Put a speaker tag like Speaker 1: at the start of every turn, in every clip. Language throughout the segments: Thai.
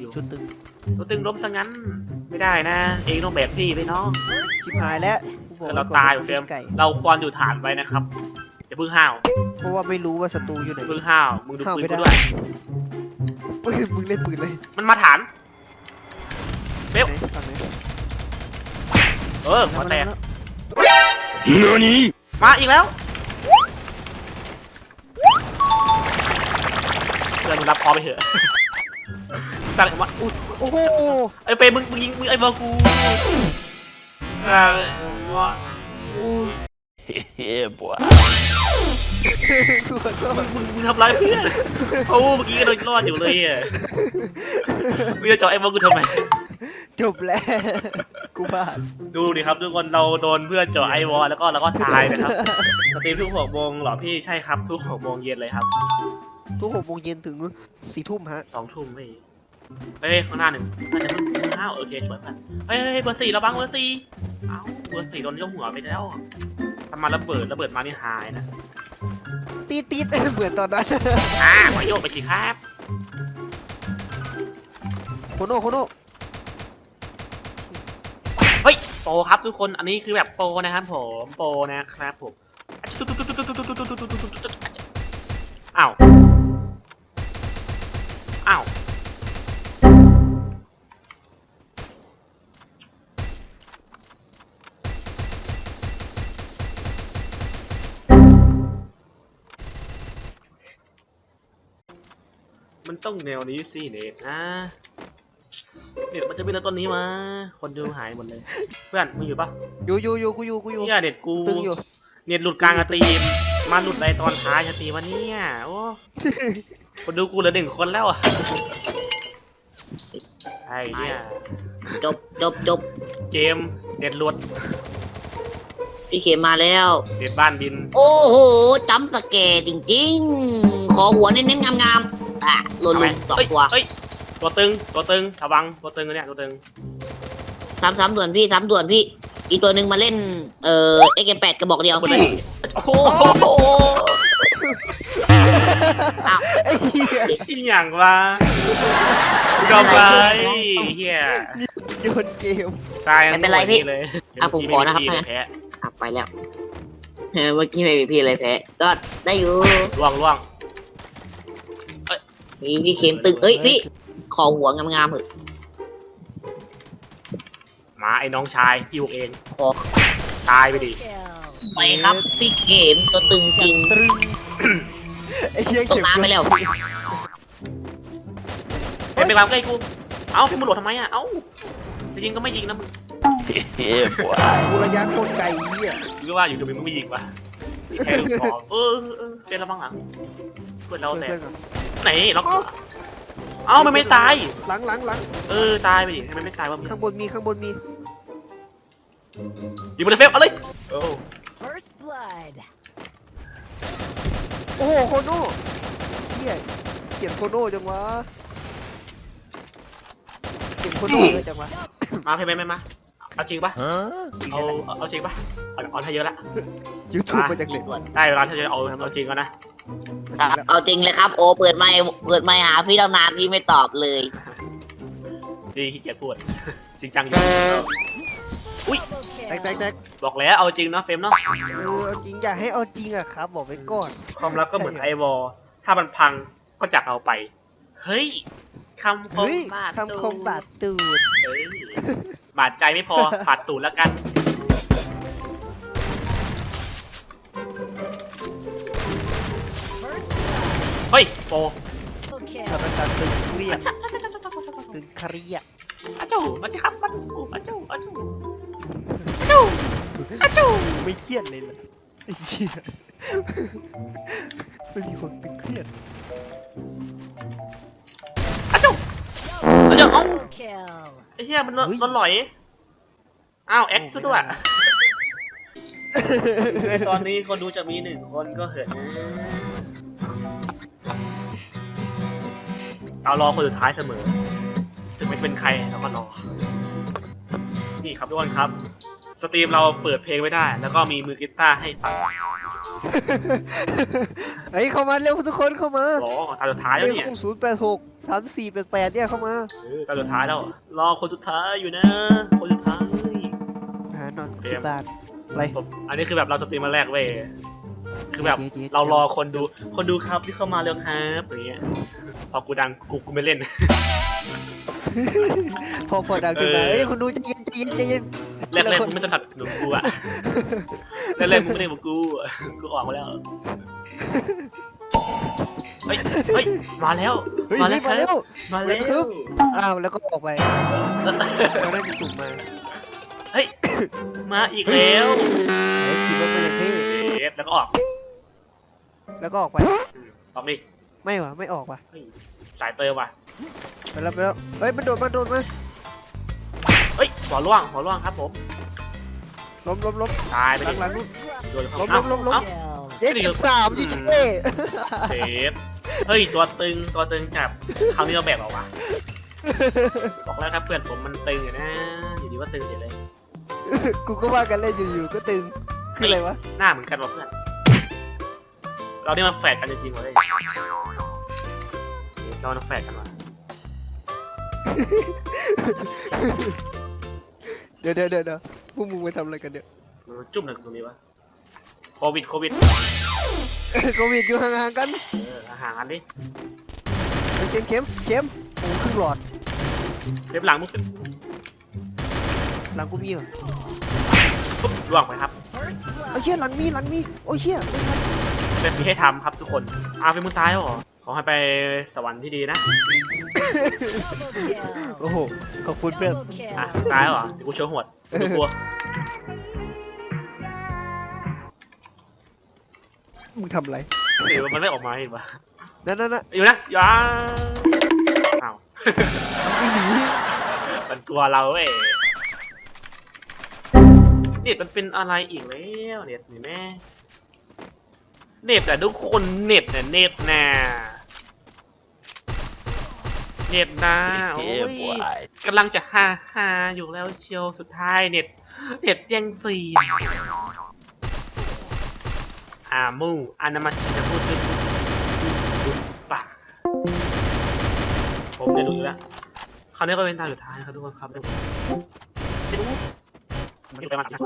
Speaker 1: ชุดตึง
Speaker 2: ตัวตึงล้มซะงั้นไม่ได้นะ เองต้องแบกพี่ไปเนาะ
Speaker 1: ชิบหายแล้วกูบอก
Speaker 2: เรา
Speaker 1: ไว้ก่อน
Speaker 2: ตาย
Speaker 1: ว่
Speaker 2: เฟรม
Speaker 1: ไก่
Speaker 2: เราควรอยู่ฐานไว้นะครับอย่าเพิ่งห้าว
Speaker 1: เพราะว่าไม่รู้ว่าศัตรูอยู่ไหน
Speaker 2: เพิ่งห้าวมึงดู
Speaker 1: ห้าว
Speaker 2: ปืน
Speaker 1: ไม่
Speaker 2: กู
Speaker 1: ได้
Speaker 2: ด้วย
Speaker 1: มึงเล่นปืนเลย
Speaker 2: มันมาฐานเบล
Speaker 1: ไหนฝั่งไหน
Speaker 2: หัวแตก
Speaker 1: มา
Speaker 2: มาอีกแล้วเพื่อนมึงรับคอไปเถอะตั้งว่าอุ้ย
Speaker 1: โอ้โห
Speaker 2: ไอ้เฟรมมึงยิงไอ้บอลกู
Speaker 1: กูขอโทษ
Speaker 2: มึงทำร้ายเพื่อนโอ้เมื่อกี้ก็โดนรอดอยู่เลยอ่ะมึงจะเจาะไอ้บอลกูทำไม
Speaker 1: จบแล้วกูบ้า
Speaker 2: ดูดิครับทุกคนเราโดนเพื่อนเจาะไอวอลแล้วก็ตายนะครับสตรีมทุก6 โมงเหรอพี่ใช่ครับทุก6 โมงเย็นเลยครับ
Speaker 1: ทุก6 โมงเย็นถึง4 ทุ่มฮะ
Speaker 2: 2 ทุ่มไม่เฮ้ยข้างหน้าหนึ่งน่าจะเพิ่งห้าวโอเคสวยพันเฮ้ยเบอร์ 4ระวังเบอร์ 4เอ้าเบอร์ 4โดนยกหัวไปแล้วทำมาระเบิดมานี่หายนะ
Speaker 1: ตีดเหมือนตอนนั้น
Speaker 2: ขอโยกไปสิครับ
Speaker 1: โคโน่
Speaker 2: เฮ้ยโปรครับทุกคนอันนี้คือแบบโปรนะครับผมโปรนะครับผมอ้าวมันต้องแนวนี้สิเน็ตนะเน็ตมันจะมีแล้วต้นนี้มาคนดูหายหมดเลยเพื่อนมึงอยู่ปะ
Speaker 1: อยู่กูอยู่
Speaker 2: เนี่ยเน็ตกู
Speaker 1: ตึงอยู่
Speaker 2: เน็ตหลุดกลางสตรีมมาหลุดในตอนท้ายสตรีมวันนี้โอ้คนดูกูเหลือ1 คนแล้วอ่ะไอ้เนี่ย
Speaker 3: จบ
Speaker 2: เกมเน็ตหลุด
Speaker 3: พี่เข็มมาแล้ว
Speaker 2: เน็ตบ้านบิน
Speaker 3: โอ้โหจำสแกร์จริงๆ ขอหัวเน้นๆงามๆหล่น
Speaker 2: ทำไม
Speaker 3: 2 ตัว
Speaker 2: เฮ้ยตัวตึงระวังตัวตึงเนี่ยตัวตึง
Speaker 3: ซ้ำด่วนพี่อีกตัวหนึ่งมาเล่นAK8 กระบอกเดียว
Speaker 2: หมดเลยโอ้โห
Speaker 3: อ้าว
Speaker 1: ไอ้เหี้ย
Speaker 2: อีหยังวะยอมไปเฮีย
Speaker 1: โยนเกม
Speaker 2: ตาย
Speaker 3: ไม่เป็นไรพี่
Speaker 2: เลย
Speaker 3: ผมขอนะครับ
Speaker 2: แพ้
Speaker 3: ไปแล้วเมื่อกี้ไม่มีพี่เลยแพ้ก็ได้อยู่
Speaker 2: ล่วง
Speaker 3: พี่เข็มตึงพี่ขอหัวงามๆเถอะ
Speaker 2: มาไอ้น้องชายพี่บุกเอง
Speaker 3: ขอ
Speaker 2: ตายไปดิ
Speaker 3: ไปครับพี่เข็มตัวตึงจริง
Speaker 1: ตรึงไอ้เหี้ย
Speaker 3: ตกน้ำไปแล้ว
Speaker 2: เป็นไปวางใกล้กูเอ้าพี่มึงหลดทำไมอ่ะเอ้าจะยิงก็ไม่ยิงนะมึง
Speaker 1: กูระยะโคตรไกลเหี้ย
Speaker 2: หรือว่าอยู่ตรงนี้มึงไม่ยิงวะแค่ลูกคอเป็นระวังหลังเพื่อนเราแต่
Speaker 1: เพื่อนๆก่อน
Speaker 2: ไหนล็อกเอ้ามันไม่ตาย
Speaker 1: หลัง
Speaker 2: ตายไปดิทำไมไม่ตายวะมึง
Speaker 1: ข้างบนมี
Speaker 2: ยิงมันเลยเฟฟเอาเลยโอ้
Speaker 4: First blood.
Speaker 1: โอ้โหโคโน่เหี้ยเขียนโคโน่จังวะเขียนโคโน่เยอะจังวะ
Speaker 2: มาเพย์ไม่มาเอาจริงปะเอาจริงปะเอาให้เยอะละ
Speaker 1: ยูทูบมาจากเหล็ก
Speaker 2: ได้เวลาที่จะเอาจริงแล้วนะ
Speaker 3: เอาจริงเลยครับ โอเปิดไมค์หาพี่ตั้งนานพี่ไม่ตอบเลย
Speaker 2: ดีขี้เกียจพูดจริงจังอยู่
Speaker 4: Double
Speaker 1: แต
Speaker 4: kill.
Speaker 1: ก
Speaker 2: บอกแล้วเอาจริงเนาะเฟมเนาะ
Speaker 1: เอาจริงอย่าให้เอาจริงอะครับบอกไว้ก่อน
Speaker 2: ความรักก็เหมือนไอวอลถ้ามันพังก็จากเอาไป เฮ้ยคำคม
Speaker 1: เฮ้ย
Speaker 2: บาด
Speaker 1: คำคมบาดตูด
Speaker 2: เฮ้ยบาดใจไม่พอบาดตูดแล้วกัน
Speaker 4: First
Speaker 2: เฮ้ยโป
Speaker 4: double kill.
Speaker 1: สถานการณ์ตึงเครียดตึงเครียด
Speaker 2: อาจูมาสิครับอาจูอาจูอาจูอาจู
Speaker 1: ไม่เครียดเลยล่ะไอ้เหี้ยไม่มีคนตึงเครียด
Speaker 2: อาจูอาจูเอ้า
Speaker 4: Double kill.
Speaker 2: ไอ้เหี้ยมันหลอยอ้าวแอคซะด้วยในตอนนี้คนดูจะมี1 คนก็เหินเรารอคนสุดท้ายเสมอถึงไม่เป็นใครเราก็รอนี่ครับทุกคนครับสตรีมเราเปิดเพลงไว้ได้ แล้วก็มีมือกีตาร์ให้ฟัง
Speaker 1: เฮ้ยเข้ามาเร็วทุกคนเข้ามา
Speaker 2: รอตาสุดท้ายแล้วเนี่ย
Speaker 1: 086 3488เนี่ยเข้ามา
Speaker 2: ตาสุดท้ายแล้วรอคนสุดท้ายอยู่นะคนสุดท้าย
Speaker 1: หานอนที่บ้านอะไร
Speaker 2: ผมอันนี้คือแบบเราสตรีมมาแรกเว้ยคือแบบ
Speaker 1: เย็ดๆ
Speaker 2: เรารอคนดูครับที่เข้ามาเร็วครับอย่างเงี้ยพอกูดังกูไม่เล่น
Speaker 1: พอดังขึ้นมา
Speaker 2: เออ
Speaker 1: เฮ้ยคุณดูใจเย็นใจเย็นใจเย็น
Speaker 2: แรกๆมึงไม่สนับสนุนกูอะแรกๆมึงไม่ได้บอกกูกูออกมาแล้วเฮ้ยเฮ้ยมาแล้ว
Speaker 1: เฮ้ย
Speaker 2: มาแล้
Speaker 1: มาว เร็ว
Speaker 2: มาแล้ว
Speaker 1: อ้าวแล้วก็ออกไปเราได้จะสุ่มมา
Speaker 2: เฮ้ยมาอีกแล้ว
Speaker 1: เฮ้ยขี่รถไปอย่างเท่
Speaker 2: เอฟแล้วก็ออก
Speaker 1: แล้วก็ออกไป
Speaker 2: ออกดิ
Speaker 1: ไม่วะไม่ออกวะ
Speaker 2: เฮ้ยสายเติมว่ะ
Speaker 1: ไปแล้วเฮ้ยมันโดดมา
Speaker 2: เฮ้ยหัวร่วงครับผม
Speaker 1: ล้ม
Speaker 2: ตายไปดิ
Speaker 1: หลังๆนู่น
Speaker 2: โดน
Speaker 1: ล้ม
Speaker 2: เอ้า
Speaker 1: ล้ม
Speaker 2: เอ้า
Speaker 1: เย้13ยิงเท่
Speaker 2: เซฟเฮ้ยตัวตึงจับคราวนี้เราแบกเหรอวะบอกแล้วครับเพื่อนผมมันตึงอยู่นะอยู่ดีว่าตึงเฉยเลย
Speaker 1: กูก็ว่ากันเล่นอยู่ๆก็ตึงคืออะไรวะ
Speaker 2: หน้าเหมือนกันว่ะเพื่อนเราเนี่ยมันแฝดกันจริงๆเลยเรามันแฝดกันว่ะ
Speaker 1: เดี๋ยวพวกมึงไปทำอะไรกันเนี่ย
Speaker 2: มันจุ่มหนึ่งตรงนี้วะโควิด
Speaker 1: โควิดอยู่ห่างๆกัน
Speaker 2: ห่างกันดิ
Speaker 1: เข็มโอ้ครึ่งหลอด
Speaker 2: เล็บหลังมึงเป็น
Speaker 1: หลังกูมีเหรอ
Speaker 2: ปุ๊บล่วงไปครับ
Speaker 4: First
Speaker 1: เอา
Speaker 4: blood.
Speaker 1: เชี่ยหลังมีโอ้ยเชี่ยไม่ทัน
Speaker 2: เป็นที่ให้ทำครับทุกคนเป็นมึงตายแล้วเหรอขอให้ไปสวรรค์ที่ดีนะ
Speaker 4: Double kill.
Speaker 1: โอ้โหขอบคุณเพื่อน
Speaker 4: Double kill.
Speaker 2: ตายแล้วเหรอเดี๋ยวกูโชว์หวดกูกลัว
Speaker 1: มึงทำอะไร
Speaker 2: หรือมันไม่ออกมาเห็นปะ
Speaker 1: นั่น
Speaker 2: อยู่นะอย่าอ้าว
Speaker 1: ไม่หนี
Speaker 2: มันกลัวเราเว้ยเน็ตมันเป็นอะไรอีกแล้วเน็ตนี่แม่เน็ตแต่ทุกคนเน็ตน่ะเน็ตนะโอ้ยกำลังจะฮาอยู่แล้วเชียวสุดท้ายเน็ตแย่งซีนมูอานามาชิจะพูดป่ะผมจะดูอยู่แล้วคราวนี้ก็เป็นตาสุดท้ายครับทุกคนครับไม่รู้มันไปมาจากไหน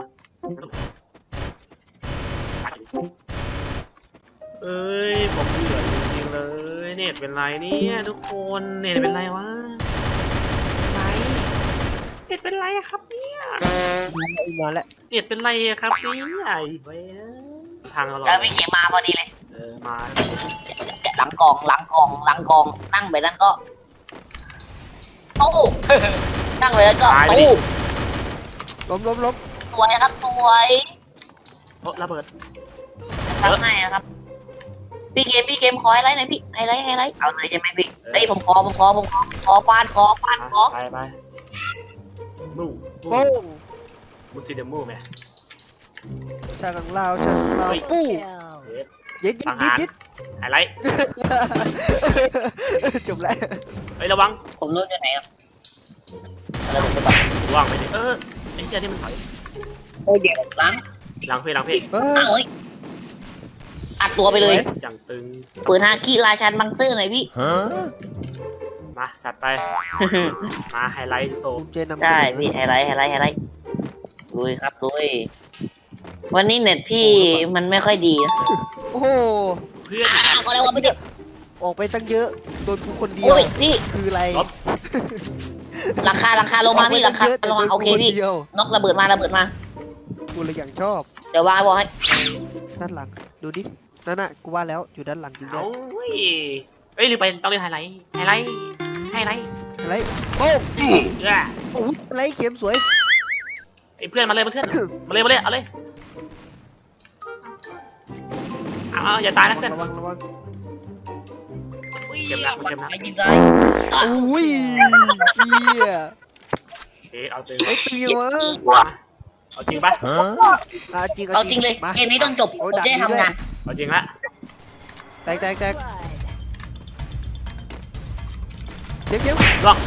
Speaker 2: เอ้ยผมเบื่อจริงๆเลยเน็ตเป็นไรเนี่ยทุกคนเน็ตเป็นไรวะไรเน็ตเป็นไรอะครับเนี่ย
Speaker 1: มาแล้ว
Speaker 2: เน็ตเป็นไรอะครับเนี่ยไอ้เว้ยทางเรา
Speaker 3: เจอพี่เข็มมาพอดีเลย
Speaker 2: มา
Speaker 3: หลังกองนั่งไปนั้นก็ตู้นั่งไปนั้นก็ตู้
Speaker 1: ล้ม
Speaker 3: สวยครับสวย
Speaker 2: โอ้ระเบิด
Speaker 3: ทำให้นะครับพี่เกมขอไฮไลท์หน่อยพี่ไฮไลท์เอาเลยใช่ไหมพี่เฮ้ยผมขอฟานขอ
Speaker 2: ไปมู
Speaker 1: โป้ง
Speaker 2: มูซิเดมูแม่
Speaker 1: ชากังลาวปู้
Speaker 4: Kill.
Speaker 1: ยิด
Speaker 2: ไฮไลท์
Speaker 1: จบแล้ว
Speaker 2: เฮ้ยระวัง
Speaker 3: ผมรู้ที่ไหนครับ
Speaker 2: ระวังไปดิไอ้เจ้านี่มันถอย
Speaker 3: โอ้ยเดี๋ยวหลัง
Speaker 2: หลังเพลง
Speaker 3: เอ้ยอัดตัวไปเลย
Speaker 2: อย่างตึง
Speaker 3: ปืนฮาคิราชันบังซื่อหน่อยพี่
Speaker 2: มาจัดไปมาไฮไลท์โซ
Speaker 1: ภูมิใจนำเสน
Speaker 3: ได้
Speaker 1: อ
Speaker 3: พี่ไฮไลท์ลุยครับลุยวันนี้เน็ตพี่มันไม่ค่อยดีนะ
Speaker 1: โอ้โห
Speaker 2: เพื่อน
Speaker 3: ก็เลยว่าไม่ได้
Speaker 1: ออกไปตั้งเยอะโดนกูคนเดียว
Speaker 3: โอ้ยพี่
Speaker 1: คืออะไร
Speaker 3: หลังคาลงมาพี่หลังคาลงมาโอเคพี่
Speaker 1: เดียวน
Speaker 3: กระเบิดมา
Speaker 1: กูเลยอย่างชอบ
Speaker 3: เดี๋ยววางบอกให้
Speaker 1: ด้านหลังดูดินั่นน่ะกูว่าแล้วอยู่ด้านหลังจริงด้ว
Speaker 2: เอา
Speaker 1: ย
Speaker 2: เอ้ยหรือไปต้องเรียกไฮไลท์
Speaker 1: อะไรโป้งโอ้ยอะไรเข็มสวย
Speaker 2: ไอ้เพื่อนมาเลยเอาเลยเอาอย่าตายนะเพื่อน
Speaker 1: ระวัง
Speaker 2: เจ็บหนักมันเจ็บหนัก
Speaker 3: ไปยิงได้
Speaker 1: โอ้ยเชี่ย
Speaker 2: เอาจริง
Speaker 1: ไอ้ตีวะ
Speaker 2: เอาจริงปะ
Speaker 1: จริง
Speaker 3: เอาจริงเลย
Speaker 1: มา
Speaker 3: เกมนี้ต้องจบ
Speaker 1: โอ้ย
Speaker 3: ผมจะได้
Speaker 1: ดักดีด้วย
Speaker 3: ทำงาน
Speaker 2: เอาจริงละ
Speaker 1: แตก
Speaker 4: Blood.
Speaker 1: เข็ม
Speaker 2: ล่วง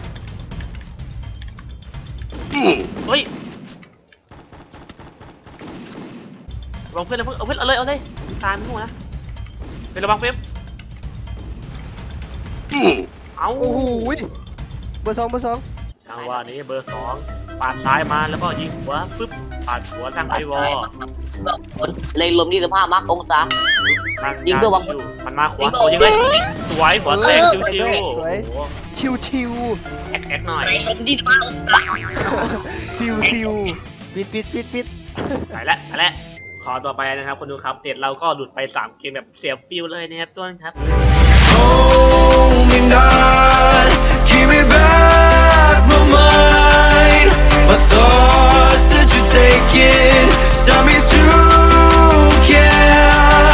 Speaker 2: เฮ้ยระวังเพื่อนเลยเพื่อนเอาเพื่อนเอาเลยตายไม่หัวนะเป็นระวังเฟรมเอา
Speaker 1: โอ้โหเบอร์สอง
Speaker 2: จังหวะนี้เบอร์2ปาดซ้ายมาแล้วก็ยิงหัวปึ๊บปาดหัวตั้งไอวอล
Speaker 3: เลยลม25 มักองศา ยิงเพื่อหวัง
Speaker 2: มันมาขวาตัวยิงเลยสวยหัวแตกชิว
Speaker 1: สวย
Speaker 2: ๆ
Speaker 1: ชิว
Speaker 2: แอคหน่อย
Speaker 3: เลยลม25 องศา
Speaker 1: ซิวปิด
Speaker 2: ไปแล้วขอต่อไปนะครับคนดูครับเด็ดเราก็หลุดไป3 เกมแบบเสียฟิลเลยนะครับต้นครับ
Speaker 5: Hold me now.